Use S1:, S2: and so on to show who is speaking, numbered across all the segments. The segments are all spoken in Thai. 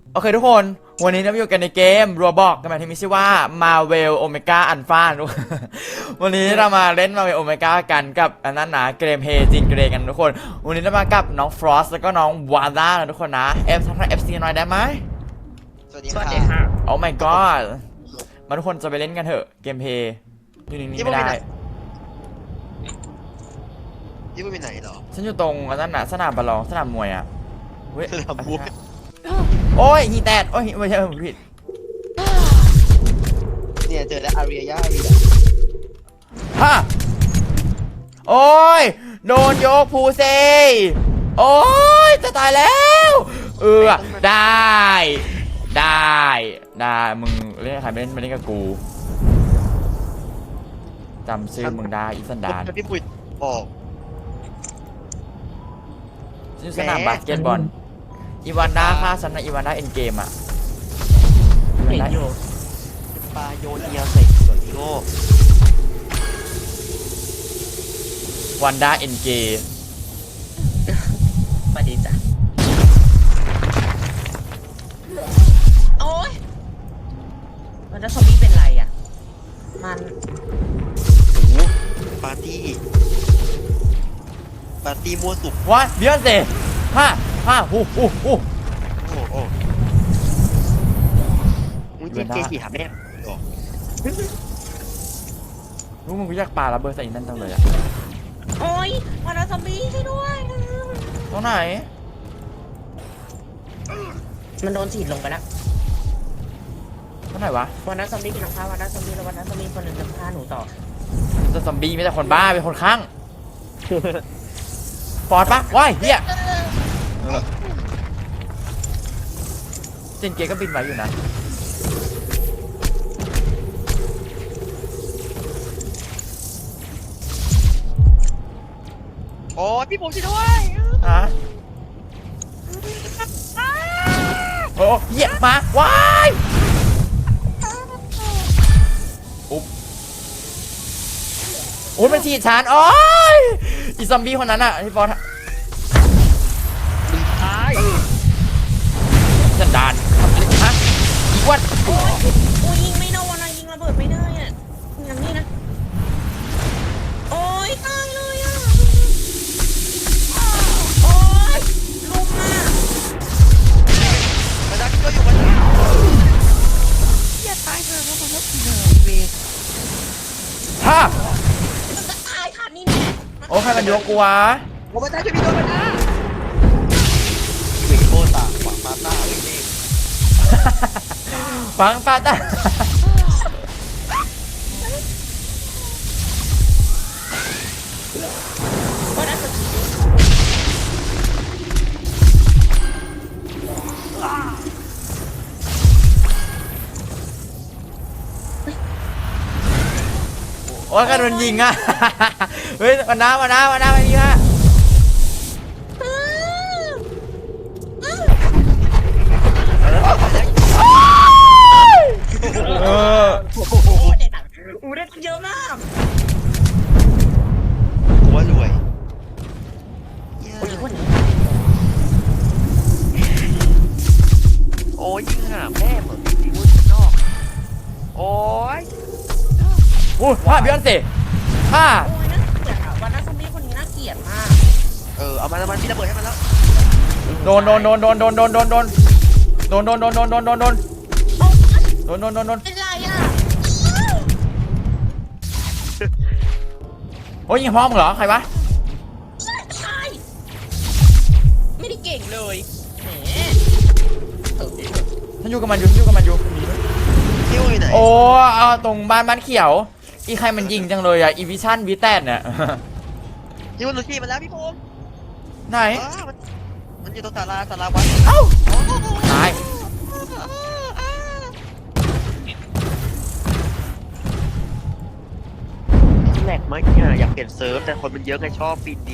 S1: โอเคทุกคนวันนี้เราอยู่กันในเกมรัวบอกกันมาที่มีชื่อว่า Marvel Omega Alpha ทุกวันนี้เรามาเล่น Marvel Omega กันกับอันนั้นนะเกมเฮจินเกรกันทุกคนวันนี้เรามากับน้องฟรอสแล้วก็น้องวาด้านะทุกคนนะทักทาย FC หน่อยได้ไหม
S2: สวัสดีค่ะ
S1: โอ้ my god มาทุกคนจะไปเล่นกันเถอะเกมเพย์อยู่นิ่งๆไม่ได้
S2: ยี่ปุ่นไปไหนเหรอ
S1: ฉันอยู่ตรงอันนั้นนะสนามบอลลองสนามมวยอ่ะเว้ย
S2: สนามมวย
S1: โอ้ยฮีแตดโอ้ยไม่ใช่ผมผิด
S2: เนี่ยเจอแล้วอารียา
S1: ฮะโอ้ยโดนโยกภูเซโอ้ยจะตายแล้วได้มึงเล่นใครไม่เล่นมาเล่นกับกูจำชื่อมึงได้อีสันดาน
S2: พี่ปุ๋ยบอก
S1: ชื่อสนามบาสเกตบอลอีวานด้าฆ่าฉันนะอีวานด้าเอ็นเกมอ่ะ
S3: เห็นอยู่
S2: ปลาโยนเอียใส่ส่วนที่โง่
S1: วันด้าเอ็นเกม
S3: สวัสดีจ้ะโอ้ยมันจะซอมบี้เป็นไรอ่ะมัน
S2: โอ้โหปาร์ตี้มั่วสุก
S1: ว่าเบียนเซ่ฮ่าโอ้
S2: โอ้โหมึงเจ๊กี่หาแม่หรอ
S1: รู้มึงกูอยากปาระเบิดใส่อีนั่นจังเลยอะ
S3: โอ้ยมันจะซอมบี้ช่วยด้วย
S1: ตรงไหน
S3: มันโดนฉีดลงไปแล้ว
S1: ตรงไหนวะ
S3: วันนั้นซอมบี้กินข้าววันนั้นซอมบี้แล้ววันนั้นซอมบี้คนหนึ่งจะฆ่าหนูต่อ
S1: จะซอมบี้ไม่ใช่คนบ้าเป็นคนข้างปอดปะว้ายเฮียเจนเกก็บินไว้อยู่นะ
S2: โอ้ยพี่ผมช่วยด้วย
S1: ฮะโอ้เหี้ยมาว้ายอุ๊บโอ้ยมันฉีดฉันโอ้ยอีซอมบี้คนนั้นอะที่ฟอส
S2: ตาย
S1: สันดานทำอะไรฮะอีกวัน
S3: โอ้ยยิงไม่โดนอะยิงระเบิดไม่ได้อ่ะอย่างนี้นะโอ้ยตายเลยอ่ะโอ้ยลุมอ่ะ
S2: มาดักก็อยู่มาดักอย่าตายเถอะผมว่าเวท
S1: ฮะ
S3: มันจะตายค่ะนี่แน่
S1: โอ้ใครมันยกกูวะ
S2: ผมมาดักช่วยพี่โดนมาดักเวทโคตาหวังมาตาเวทเอง
S1: ฟังปาตาโอ้ยกันโดนยิงอ่ะ เฮ้ยมาน้ามาดีฮะเออ
S3: โอ้เด็ดอ่ะอู้ได้เยอะมาก
S2: หัวรวย
S3: โอ้ยคนนี้
S2: โอ้ยยิงหาแม่เหมือนยิงนอกโอ้ย
S1: อู้ผ้าเบียนสิผ้า
S3: โอ้ยน่าเกลียดอ่ะวันนั้นซอมบี้คนนี้น่าเกลียดมาก
S2: เอามันพี่ระเบิดให้มันแล้ว
S1: โดนเป็นไรอ่ะ โอ้ยยิงพร้อมเหรอใครวะ
S3: ใช่ไม่ได้เก่งเลยแหม
S1: ฉันอยู่กับมันอยู่
S2: ที่อยู่ไหน
S1: โอ้เอาตรงบ้านเขียวอีใครมันยิงจังเลยอ่ะอีวิชั่นวิแตนเนี่ย
S2: ที่มันลุกี้มาแล้วพี่พงษ์
S1: ไหน
S2: มันอยู่ตรงศาลาวัด
S1: เอ้าตาย
S2: แหลกไหมเนี่ยอยากเปลี่ยนเซิร์ฟแต่คนมันเยอะไงชอบฟินดี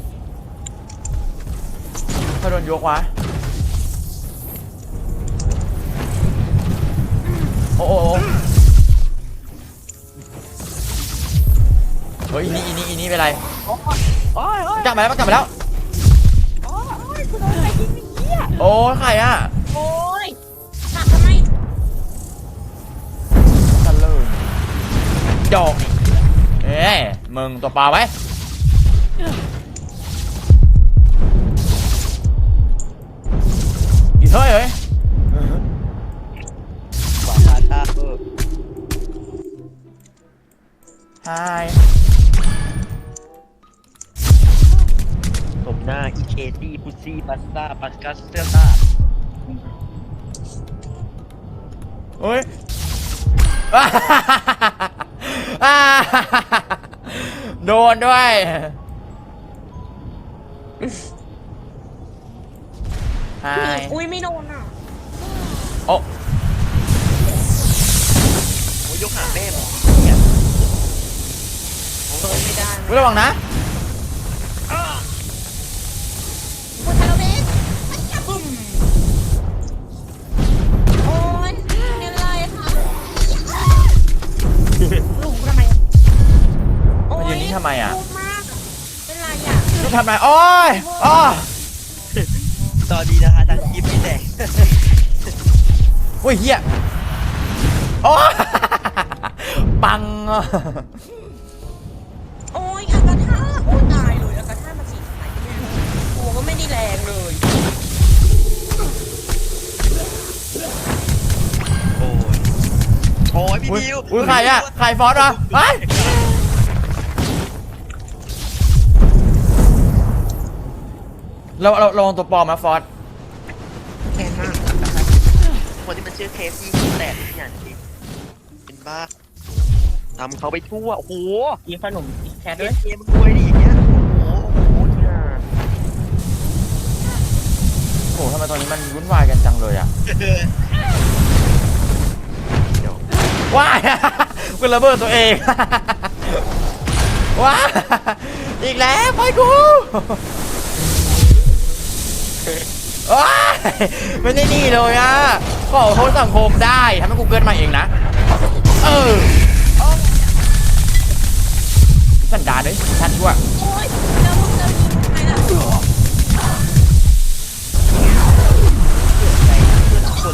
S1: เขาโดนยกวะโอ้เฮ้ยอีนี่เป็นไร
S2: โอ้ย
S1: กลับมาแล้ว
S2: คุณโดนอะไรยิงเงี้ย
S1: โอ้ใครอ่ะ
S3: โอ้ย
S1: ดอกนี่เอ้ยมึงตัวเปล่าไว้อีเฮ้ยเฮ้ย
S2: ขวาคาตา
S1: ไฮ
S2: สมหน้าอีเคตี้พุซี่ปัสตาปัสกัสเตอร์ตา
S1: เฮ้ย โดนด้วยไฮ
S3: อุ้ยไม่โดนอ่ะ
S1: โอ้
S2: โอ้ยยกหาแม่หมอ
S3: เปิดไม่ได้
S1: อุ๊ยระวังนะ
S3: คุณทาโรเบสบึ้มโอ้ยเป็นไรคะหลุมทำไมโอ้
S1: มันยืนนิ่งทำไมอ่ะ
S3: พูดมากเป็นไรอ่ะ
S1: ลูกทำไรโอ้ยอ้อ
S2: ตอนดีนะคะทางคลิปไม่แตก
S1: อุ้ยเฮียโอ้ ปังอ่ะ
S3: โอ้ยอากาธาโอ้ยตายเลยอากาธามาฉีดไหนไม่รู้ตัวก็ไม่ได้แรงเลย
S2: โอ้ยโอ้ยพี่
S1: อุ้ย
S2: ดิว
S1: อุ้ยใครอ่ะใครฟอสอ่ะไเราลองตัวปลอมนะฟอส
S3: แรงมาก
S2: คนที่มันชื่อเคสที่แตกทุกอย่างจริงเป็นบ้าทำเขาไปทั่วโอ้โห
S3: กินขนมแคท
S2: เก
S3: ด้วย
S2: มเกมมันรวยดิอย่างเงี้ยโอ้โหเนี่ย
S1: โอ้ทำไมตอนนี้มันวุ่นวายกันจังเลยอ่ะ
S2: เดี๋ยว
S1: ว้าย กูระเบิดตัวเอง ว้ายอีกแล้วไปกูว้ายไม่ได้นี่เลยอ่ะขอโทษสังคมได้ทำให้กูเกินมาเองนะเออสันดานเลยชัดชั่ว
S3: โอ้ยแล้วมึงจะยิงทำไมล่ะ
S2: ใจเพื่อนทุกคน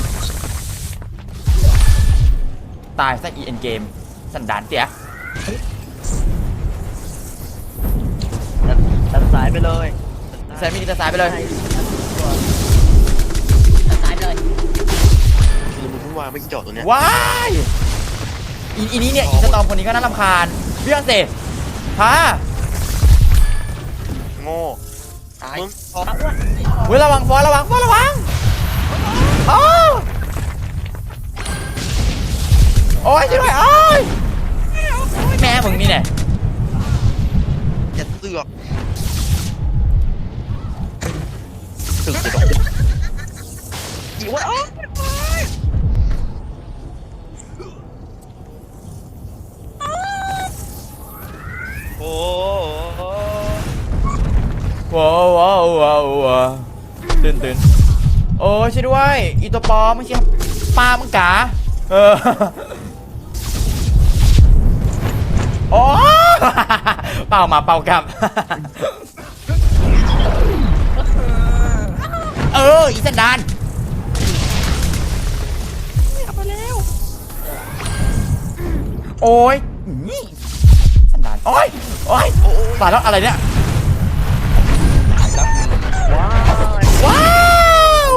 S1: ตายซะอีเอ็นเกมสันดานเสีย
S2: ตัดสายไปเลย
S1: ใส่มีดจะสายไปเลย
S3: ตายเลย
S2: คือมึงเพิ่งวางไม่กี่จอดตัวเนี้ย
S1: ว้ายอีนี้เนี่ยอีสตอมคนนี้ก็น่ารำคาญเรื่องเสร็จฮะ
S2: โง่มึงพอ
S3: เอาอ้วน
S1: เฮ้ยระวังฟอสระวังฟอสระวังโอ้โอ้ยช่วยด้วยโอ้ยแม่มึงนี่เนี่ย
S2: อย่าเสือกสึกจะต้องอีวะโอ้โห
S1: ว้าวว้าวว้าวว้าวตื่นโอ้ยช่วยด้วยอีตัวปลอมไม่ใช่ปลามึงกาเออโอ้เป่ามาเป่ากลับเอออีสันดานโอ้ยนี่สันดานโอ้ยโอ้ยตายแล้วอะไรเนี่ย
S2: ว้าว
S1: ว้าว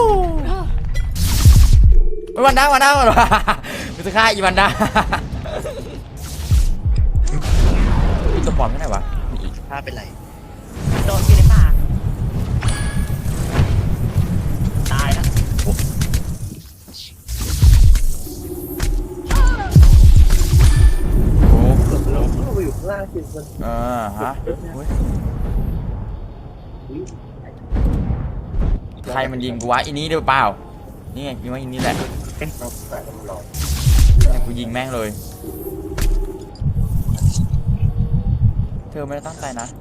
S1: วันด้าวันกูจะฆ่าอีวันด้าอีตัวปลอมที่ไหนวะ
S2: ถ้าเป็นไร
S3: โดนอยู่ในป่าตายแล้ว
S1: โอ้
S2: เราอยู่ข้างล่างสิมัน
S1: ฮะอุ๊ยใครมันยิงกูวะอีนี้หรือเปล่านี่ไงยิงว่าอีนี้แหละเนี่ยกูยิงแม่งเลยเธอไม่ได้ตั้งใจนะ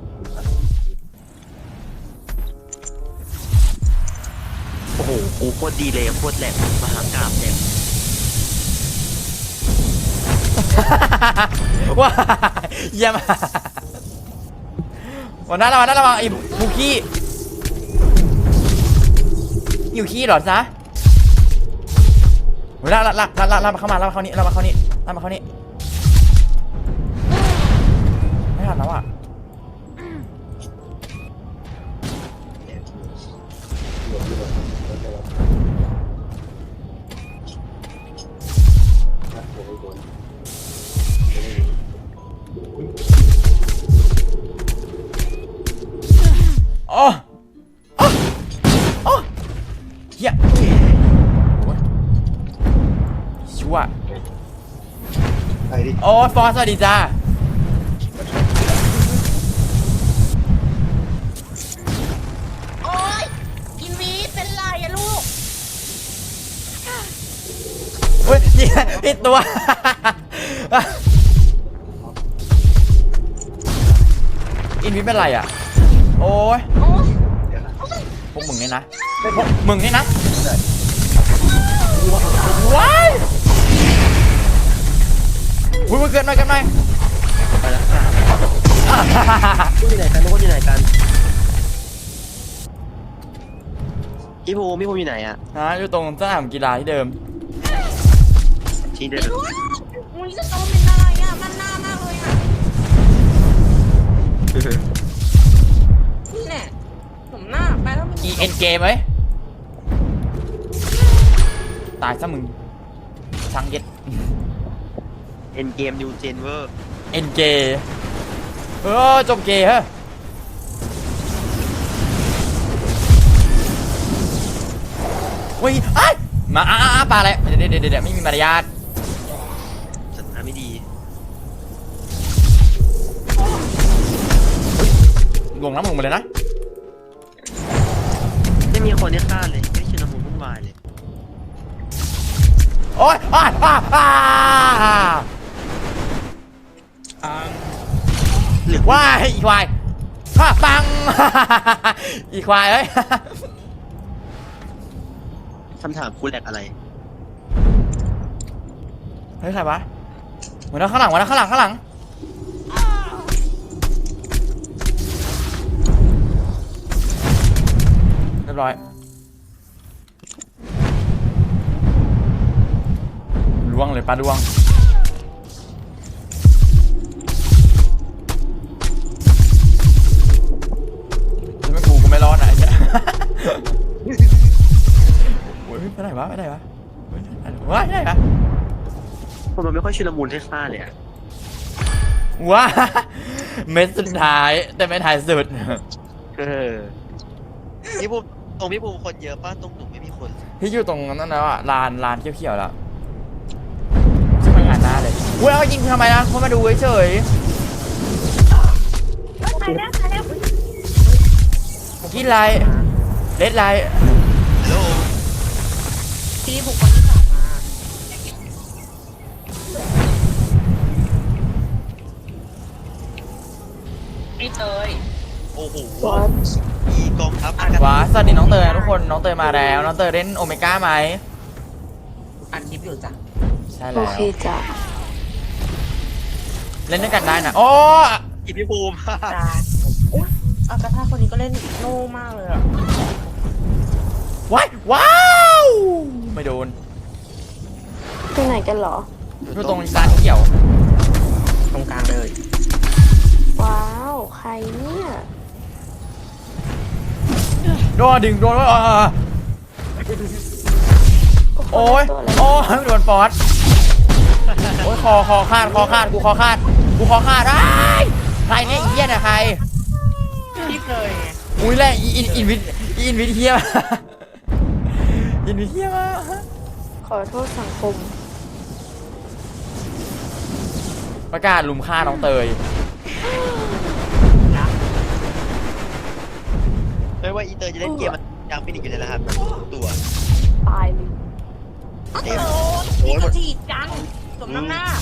S2: โอ้โหกูโคตรดีเลยโคตรแหลมมหากราบแหลม
S1: ว้าเยี่ยมวันนั้นระวังไอ้บุกี้อยู่ขี้เหรอจ๊ะลากมาเข้ามาลากมาเข้านี่ไม่ทันแล้วอ่ะโอ้โอ้โอ้เฮียโอ้ยชั่ว
S4: ไปดิ
S1: โอ้ยฟอสสวัสดีจ้า
S3: โอ๊ยอินวีเป็นไรอะลูก
S1: เฮ้ยนี่ผิดตัว อินวิเป็นไรอ่ะ โอ้ย
S3: โอ๊ย
S1: พวกมึงนี่นะพวกมึงนี่นะว้ายอุ้ยมึงเกินหน่อยกันหน่อย
S2: ไปแล้วค่ะพูดอยู่ไหนกันพูดอยู่ไหนกันพี่ภูมิอยู่ไหนอะ
S1: ฮะอยู่ตรงสนามกีฬาที่เดิม
S2: ที่เดิ
S3: ไอ้
S2: ม
S3: ลูกอุ้ยจะโตเป็นอะไรอะมันหน้ามากเลยอะนี่แหละผมหน้าไปแล้วมัน
S1: อีเอ็นเกมไหมตายซะมึงช่างเย็ด
S2: เอ็นเกมนิวเจนเวอร์
S1: เอ็นเกย์จบเกย์ฮะเฮ้ยไอ้ยมาปลาอะไรเดี๋ยวไม่มีมารยาท
S2: สถานไม่ดี
S1: ลงน้ำมึงมาเลยนะ
S2: ไม่มีคนที่ฆ่าเลยไม่ชุลมุนวุ่นวายเลย
S1: โอ๊ย
S2: หรือ
S1: ว้ายอีควายข้าปัง อีควายเอ้ย
S2: คำถามคุณแหลกอะไร
S1: เฮ้ยใครวะหัวหน้าข้างหลังข้างหลังเรียบร้อยล่วงเลยปลาล่วงถ้าไม่กูไม่รอดนะไอ้เนี่ย โอ้ยไปไหนวะเฮ้ยไปไหนวะ
S2: ผมมันไม่ค่อยชุลมุนให้ฆ่าเลยอะ
S1: ว้า เม็ดสุดท้ายแต่ไม่ท้ายสุด
S2: พี่ภูมิตรงพี่ภูมิคนเยอะป้าตรงหนูไม่มีคน
S1: ที่อยู่ตรงนั้นแล้วอ่ะลานเขียวๆแล้วช่างงานหน้าเลยอุ้ยเอายิงทำไมนะเขามาดูเฉย
S3: ตายแล้วตายแล้ว
S1: ๆกินไรเลดไร
S2: ฮัลโหล
S3: พี่บุกคนที่สองมาไอ้เตย
S2: โอ้โหอีกองทัพอากาศ
S1: ว้าสวัสดีน้องเตยนะทุกคนน้องเตยมาแล้วน้องเตยเล่นโอเมก้าไหม
S3: อัดคลิปอยู่จ้ะ
S1: ใช่
S5: โอ
S1: แล้ว
S5: เคจ้ะ
S1: เล่นด้วยกันได้นะโอ้
S2: อีพี่ภูมิ
S3: จ้าอุ๊ยอากาธาคนนี้ก็เล่นโง่มากเลยอะ
S1: ว้าวไม่โดน
S5: ไปไหนกันเหรอ
S1: อยู่ตรงลานเขียว
S3: ตรงกลางเลย
S5: ว้าว ใครเนี่ย
S1: โดนดึงโดนโอ้ย
S5: ตัวอะไร
S1: โอ้ยโดนฟอสโอ้ยคอขาดกูคอขาดไอ้ยใครเนี่ยอีเหี้ยเนี่ยใคร
S3: พี่เคยไง
S1: อุ้ยแหละอินวิทเฮีย อินวิทเฮียมา
S5: ขอโทษสังคม
S1: ประกาศลุมฆ่าน้องเตย
S2: ไม่ว่าอีเตอร์จะเล่นเกมมันยังไม่หนีอยู่เลยนะครับตัว
S5: ตายเลย
S3: โอ้โหพี่กระจีดจังสมน้ำหน้า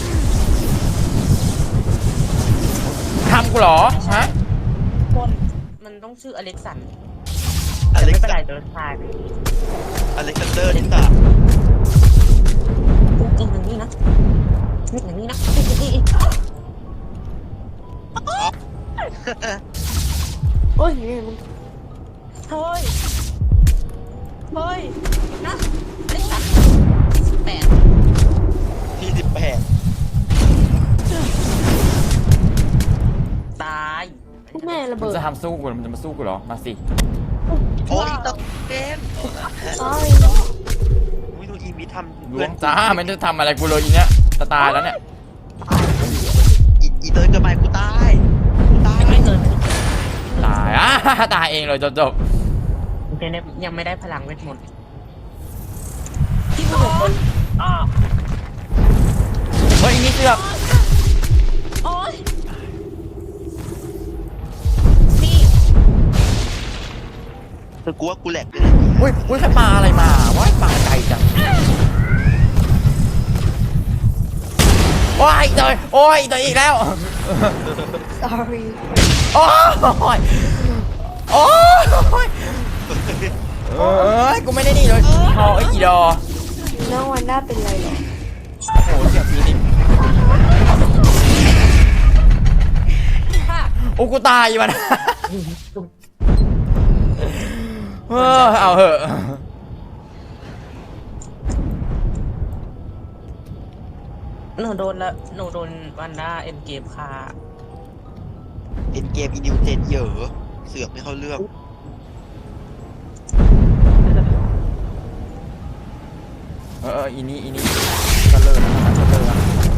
S1: ทำกูเหรอฮะ
S3: คนมันต้องชื่ออเล็กซัน
S2: อ
S3: แต่
S2: เล็ก
S3: ไม่เป็น
S2: ซา
S3: ไรเดินทาง
S2: อเล็กซานเดอร์ที่สาม
S3: จริงอย่างนี้นะนี่อย่างนี้นะอีก
S5: โอ้ยนี่มัน
S3: เฮ้ยนะอเล็กซัน
S2: ที่
S3: 28
S2: 18
S5: เบิด
S1: จะทำสู้กูเหรอมันจะมาสู้กูเหรอมาสิ
S2: โอ้ยตะเกม
S5: sorry
S2: วิดูอีมิทำ
S1: ล้วงจ้ามันจะทำอะไรกูเลยอีเนี้ยจะตายแล้วเนี่ย
S2: อีเตยเกิดใหม่กูตายกูตาย
S3: ยังไม่เกิน
S1: ตายอ่ะ ตายเองเลยจบ
S3: ยังไม่ได้พลังเวทมนต์ที่กูบอกคนอ้อ
S1: เฮ้ยอีนี่เสือก
S3: โอ๊ยพี่
S2: คือกูว่ากูแหลกเลย
S1: อุ้ยใครปลาอะไรมาว้ายปลาไก่จังว้ายเตยโอ้ยเตยอีกแล้ว
S5: sorry
S1: โอ้ยโอ้ยเอ้ยกูไม่ได้นี่เลยพอไอ้อีดอ
S5: น้องวันด้าเป็นไรเหรอ
S1: โอ้โหเสียงฟีนิกโอ้กูตายมันเอาเหอะ
S3: หนูโดนละหนูโดนวันด้าเอ็นเกมค่ะ
S2: เป็นเกมอีนิวเจนเยอะเสือกไม่เข้าเรื่อง
S1: อีนี่ก็เลิกนะก็เลิกนะ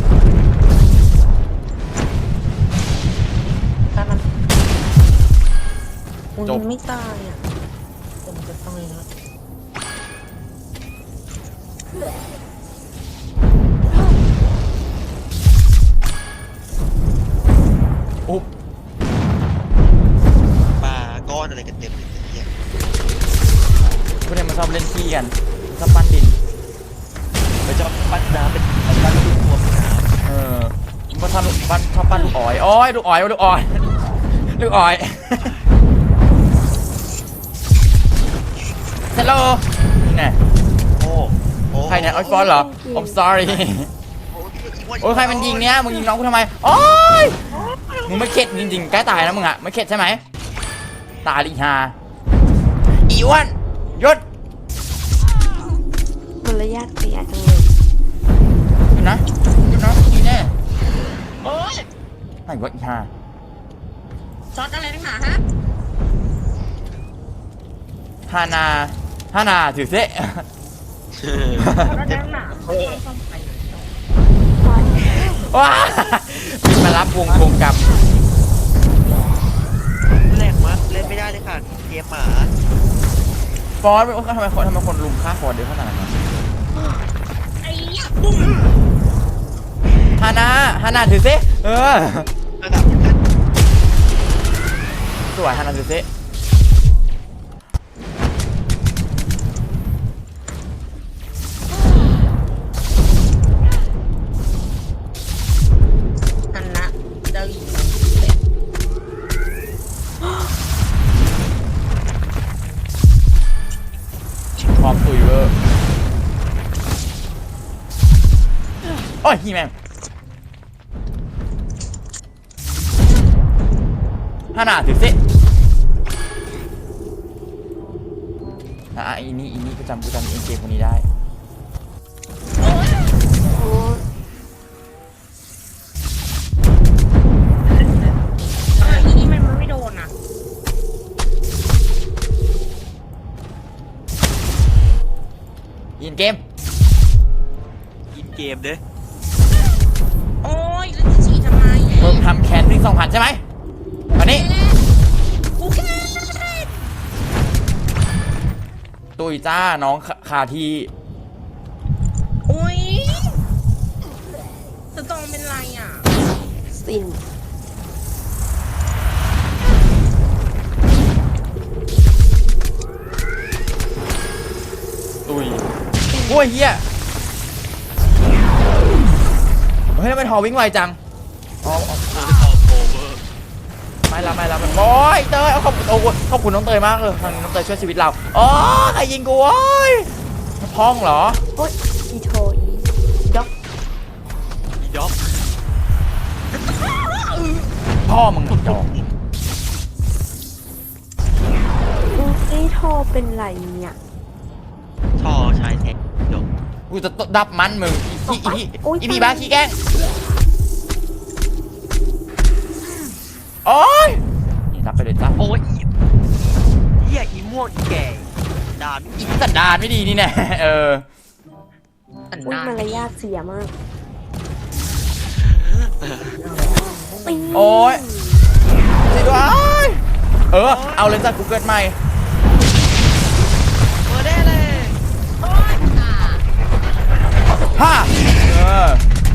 S3: ถ้ามันมันไม่ตายอ่ะแต่มันจะตายแล้ว
S1: อุ๊บ
S2: ปลาก้อนอะไรกันเต็มเลยเนี่ย
S1: พวกเนี้ยมันชอบเล่นขี้กันชอบปั้นดิน
S2: ไปจะปั้นน้ำเป็นปั้นลูกตัวน้ำ
S1: มันชอบปั้นลูกอ้อยโอ้ยลูกอ้อยลูกอ้อยลูกอ้อยฮัลโหลนี่ไง
S2: โอ้
S1: ใครเนี่ยไอฟอนเหรอ I'm sorry โอ้ยใครมันยิงเนี้ยมึงยิงน้องกูทำไมโอ้ยมึงไม่เข็ดจริงๆใกล้ตายแล้วมึงอะไม่เข็ดใช่ไหมตายอีห่าอีอ้วนยศ
S5: มารยาทเสียจังเลย
S1: หยุดนะดีแน่
S3: โอ๊ย
S1: ไหนวะอีห่า
S3: ช็อตอะไรนักหนาฮะ
S1: ฮานาถือเซะ
S3: ช็อตอะไรนักหนาซ่อมไป
S1: ว้าบินมารับวงกลับ
S2: แหลกมากเล่นไม่ได้เลยค่ะเกมหมา
S1: ฟอสทำไมคนลุมฆ่าฟอสเยอะขนาดนั้น
S3: ไอ้ยะบุ้ม
S1: ฮานาถือเซะ
S2: ระดับนี้
S1: สวยฮานาถือเซะ
S3: อันนะเจ้าหญิง
S1: พร้อมตุยเวอร์โอ้ยฮีแมนฮานาถือเซะอีนี่ก็จำเอ็นเจคนนี้ได้
S5: โอ้
S3: อีนี่มันไม่โดนอ่ะ
S1: อินเกม
S2: อินเกมเด้
S3: โอ๊ยแล้วจะฉี่ทำไม
S1: มึงทำแคนวิ่ง2,000ใช่ไหมวันนี้
S3: กูแค่
S1: ตุยจ้าน้องคาที
S3: โอ๊ยสตองเป็นไรอ่ะ
S5: สิน
S1: ตุยโอ้ยเฮียเฮ้ยทำไมทอวิ่งไวจังอ๋อ
S2: โอเวอร์
S1: ไม่ละโอ้ยเตยเอาขอบคุณน้องเตยมากเลยทางนี้น้องเตยช่วยชีวิตเราอ๋อใครยิงกูโอ้ยพ้องเหรอ
S5: โอ๊ยอีโทอีด็อก
S2: อีด็อก
S1: พ่อมึงจอก
S5: อีโทเป็นไรเนี่ย
S2: ชอชายแท็กจบ
S1: กูจะดับมันมึงอีพี่บ้าขี้แกล้งโอ้ยรับไปเลยจ้า
S2: โอ้ยเหี้ยอีม่วงอีแก่ด่า
S1: อีสันดานไม่ดีนี่แน่เออ
S3: สัน
S5: อุ้ย
S3: ดาน
S5: มารยาทเสียมาก
S1: โอ้ยช่วยด้วยเออเอาเลยจ้ะกูเกิดใหม่
S2: เปิดได้เลย
S3: โอ้ยอ่า
S1: ฮ่าเออ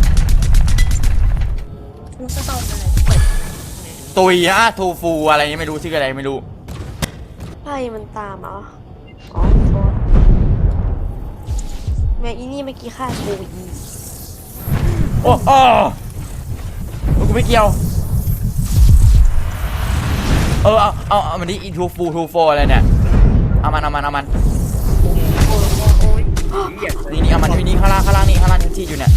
S3: ลูกสตอมอะไรเปิด
S1: ตุยฮะทูฟูอะไรนี่ไม่รู้ชื่ออะไรไม่รู้
S5: ไพ่มันตามอ๋อโทษแม่อีนี่เมื่อกี้ฆ่ากูอี
S1: โอ้โอ้กูไม่เกี่ยวเอามันนี่อีทูฟูอะไรเนี่ยเอามัน
S2: โอ้ยเหี้ย
S1: นี่เอามันนี่ข้างล่างนี่ข้างล่างที่อยู่เนี่ย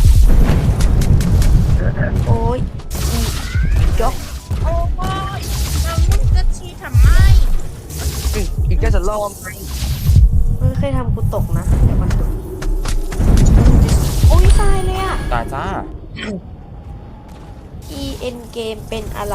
S5: โอ้ยอีด็อก
S3: โอ้ยแล้วมึงจะชี้ทำไม
S2: อีกแค่จะล่อมไง
S5: มึงเคยทำกูตกนะเดี๋ยวมันดูโอ้ยตายเลยอ่ะ
S1: ตายจ้า
S5: EN เกมเป็นอะไร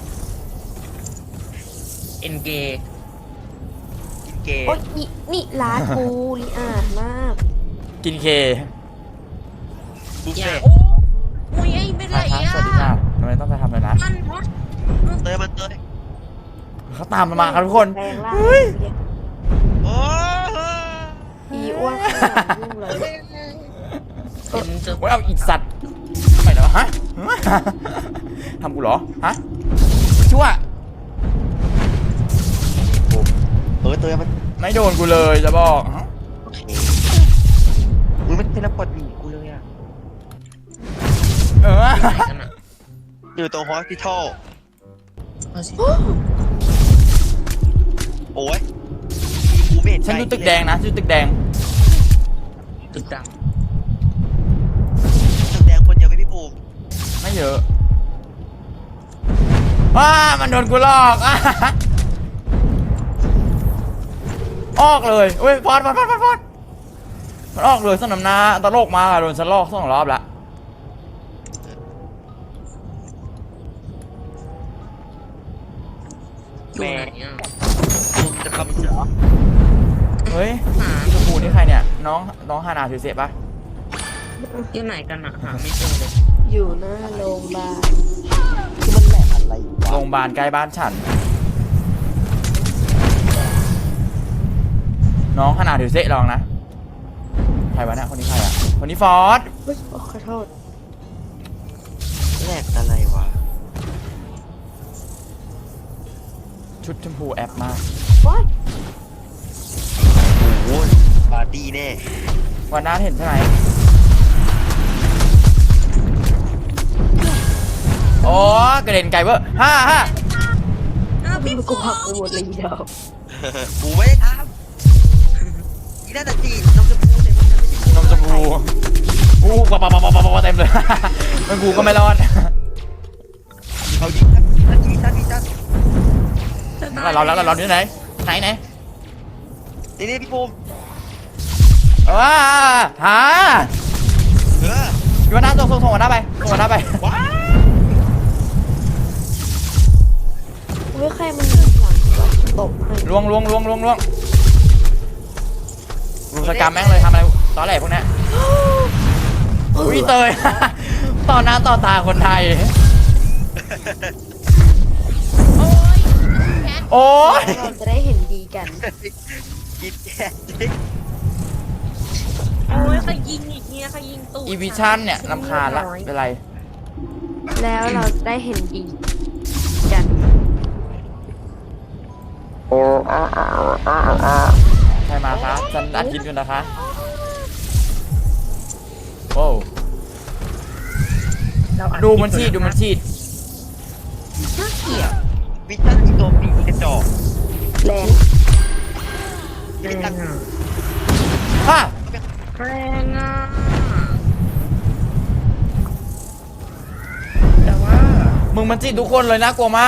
S3: เอ็นเกย์
S2: กินเกย์
S5: โอ้ยนี่ร้านกูลิอาดมาก
S1: กินเค
S2: บุฟ
S3: อย่า
S2: เฟ่ต์
S3: โอ้มุ้ยไอ้เป็นไร
S1: ครับ
S3: อ่ะ
S1: สวัสดีค่ะทำไมต้องไปทำเลยนะ
S3: มันวะ
S2: เตยมันเตย
S1: เขาตามมาครับทุกคน
S5: แรงล่าง
S1: เฮ้ย
S5: เรียก
S2: โอ้
S5: อีอ้วนข้างหลังยุ่งเลย
S3: เป็นจะ
S1: โอ้ยเอาอีกสัตว์ไม่เหรอฮะทำกูเหรอฮะชั่ว
S2: เตยมัน
S1: ไม่โดนกูเลยจะบอก
S2: โอเคมึงไม่เทเลพอร์ตหนีกูเลยอ่ะ
S1: เออ
S3: ไหนกันอ่ะ
S2: อยู่ตรงฮอสพิทอล
S3: เอาสิ
S2: โอ้ยกูไม่เห็น
S1: ฉันอยู่ตึกแดงนะฉันอยู่ตึกแดง
S3: ตึกดัง
S2: ตึกแดงคนเดียวไหมพี่ปูม
S1: ไม่เยอะมันโดนกูหลอกออกเลยเว้ยฟอดมันออกเลยสนามนาตลกมาโดนฉันลอก2 รอบละ
S3: อยู่ไหนอ่ะ
S2: ปูมจะทำเสือ
S1: เฮ้ย
S3: หา
S1: พี่ชมพูนี่ใครเนี่ยน้องฮานาถือเสพปะ
S3: อยู่ไหนกันอ่ะหาไม่เจอเลย
S5: อยู่หน้าโรงพยาบาล
S2: คือมันแหลกอะไรวะ
S1: โรงพยาบาลใกล้บ้านฉัน น้องฮานาถือเสพลองนะใครวะเนี่ยคนนี้ใครอ่ะคนนี้ฟอร์ด
S5: เฮ้ยโอ้ขอโทษ
S2: แหลกอะไรวะ
S1: ชุดชมพูแอปมาก
S5: ว้าย
S2: โอ้ยปาร์ตี้แน่
S1: วันนั้นเห็นใช่ไหมโอ้กระเด็นไกลเวอร์ฮ่า
S3: อ้าวพี่
S5: มัน
S3: ปู
S5: กูหักไปหมดเลยอีเดียว
S2: กูไม่ได้ทำอีน่าจะจีนมชมพูแต่มันไม่ใช่
S1: นมชมพูอู้ปะเต็มเลย มันกูก็ไม่รอด
S2: เขายิงท่าน
S1: เราที่ไหนไหน
S2: นี่พี่ปูม
S1: ว้าหา
S2: เออ
S1: อยู่วันหน้าส่งหัวหน้าไป
S2: ว้า
S5: ไม่ใครมันหลังตบให้
S1: ลวงสกรรมแม่งเลยทำอะไรตอนแรกพวกนี้อุ้ยเตย ต่อหน้าต่อตาคนไทย
S3: โอ้ยแคท
S1: โอ้ย
S5: เราจะได้เห็นดีกัน
S2: กินแก่
S3: โอ้ยใครยิงอีกเนี่ยใครยิงตูด
S1: อีวิชั่นเนี่ยรำคาญละเป็นไร
S5: แล้วเราจะได้เห็นดีกัน
S1: ใครมาคะฉันอัดคลิปอยู่นะคะโอ้
S3: เราอั
S1: ดูมันฉีด
S3: น่าเกลียด
S2: วิชั่นอีโตปีกระจอก
S5: แรง
S3: แรงอ่ะ
S1: ฮ่า
S3: แรงอ่ะแต่ว่า
S1: มึงมันจีดทุกคนเลยน่ากลัวมาก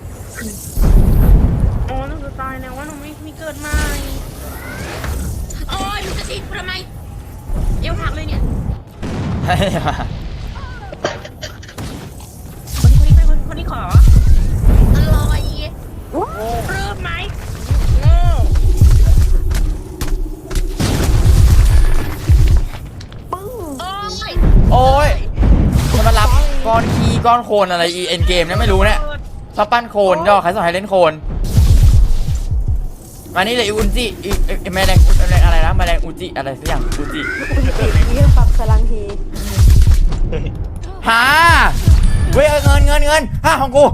S3: โอ้ยหนูจะตายแล้วว่าหนูไม่มีเกิดใหม่โอ้ยหนูจะฉีดกูทำไมเอวหักเลยเนี่ย
S1: ให้มา
S3: คนนี้ขออร่อย
S5: อ
S1: ก้อนโคลนอะไรอีเอ็นเกมเนี่ยไม่รู้เนี่ยชอบปั้นโคลนย่อใครสอนให้เล่นโคลนมานี่เลยอีอุนจิอีแมลงอะไรนะแมลงอุจิอะไรสักอย่างอุจิ
S5: เยี่ยมปรับพลังที
S1: หาเว้ยเงินฮ่าของกู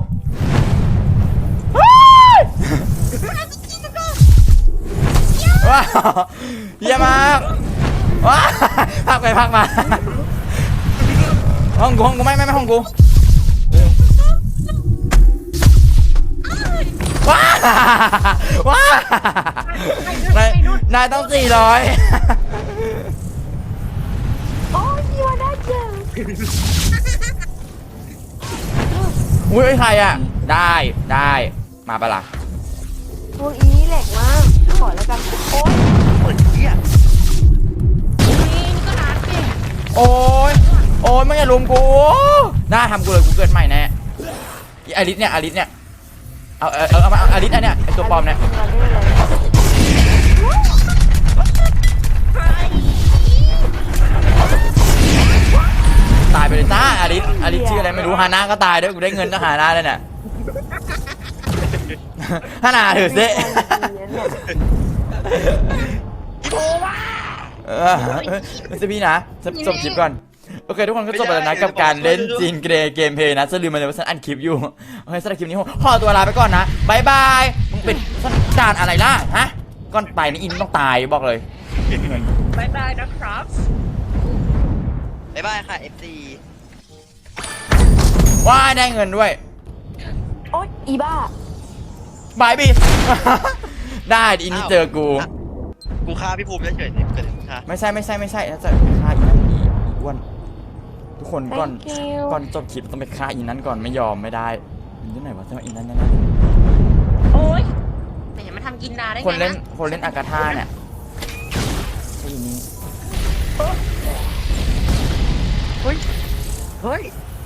S1: ว้าวเยี่ยมมากว้าวพักไปพักมาห้องกูไม่ห้องกูว้าวว้าวนายต้อง400
S5: โอ้ยยีวาได้เจอ
S1: อุ้ยใครอ่ะได้มาปะล่ะ
S5: พวกอีนี่แหลกมากขอแล้วกันโอ้ย
S2: เหมือนเหี้ย
S3: นี่ก็นัดดิ
S1: โอ้ยไม่อย่าลุมกูน่าทำกูเลยกูเกิดใหม่แน่อีอลิสเนี่ยเอามาอลิสอันเนี้ยไอตัวปลอมเนี่ย
S5: เราได้เลย
S1: ตายไปเลยจ้าอลิสชื่ออะไรไม่รู้ฮาน่าก็ตายด้วยกูได้เงินจากฮาน่าเลยเนี่ยฮาน่าถือเซ่ไม่ใช่พี่นะจบคลิปก่อนโอเคทุกคนก็จบไปแล้วนะกับการเล่นจีนเกรเกมเพย์นะจะลืมไปเลยว่าฉันอัดคลิปอยู่โอเคสำหรับคลิปนี้ขอตัวลาไปก่อนนะบายบายมึงเป็นสันดานอะไรล่ะฮะก่อนไปนี่อินต้องตายบอกเลย
S3: บายบายนะครับ
S2: บ๊ายบายค่ะ FC
S1: ว้ายได้เงินด้วย
S5: โอ๊ยอีบ้า
S1: บายบีได้อินนี่เจอกู
S2: กูฆ่าพี่ภูมิเฉยๆนี่เกิดอะไรฆ่า
S1: ไม่ใช่ถ้าจะฆ่าอีนั่นอีอ้วนทุกคนก่อน
S5: Thank you
S1: ก่อนจบคลิปต้องไปฆ่าอีนั้นก่อนไม่ยอมไม่ได้มันที่ไหนวะใช่ไหมอีนั้นแน่
S3: โอ๊ยแต่อย่ามาทำกินดาได้
S1: ๆ
S3: ไง
S1: คนเล่น
S3: นะ
S1: อากาธาเนี่ยไอ้อีนี้
S2: เฮ้ย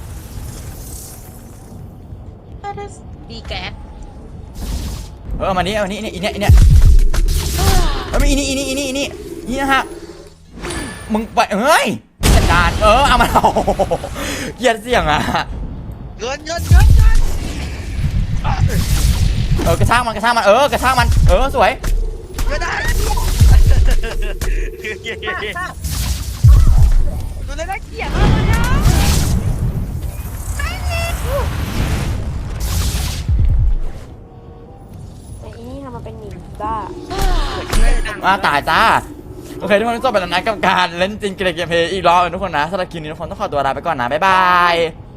S3: ดีแก
S1: เอามานี้นี่อีเนี่ยเอามาอีนี่นะฮะมึงไปเฮ้ยจัดการเอามาเอาเกลียดเสียงอ่ะ
S2: เงิน
S1: กระช่างมันกระช่างมันสวย
S2: ไม่ได้ดูเลยน่าเกลียดมากเลยนะ
S5: แต่อีนี่ทำมาเป็นหนีบ้า
S1: มาตายจ้าโอเคทุกคนจบไปแล้วนะกับการเล่นจริงเกมเพย์อีกรอบทุกคนนะสำหรับคลิปนี้ทุกคนต้องขอตัวลาไปก่อนนะบ๊ายบาย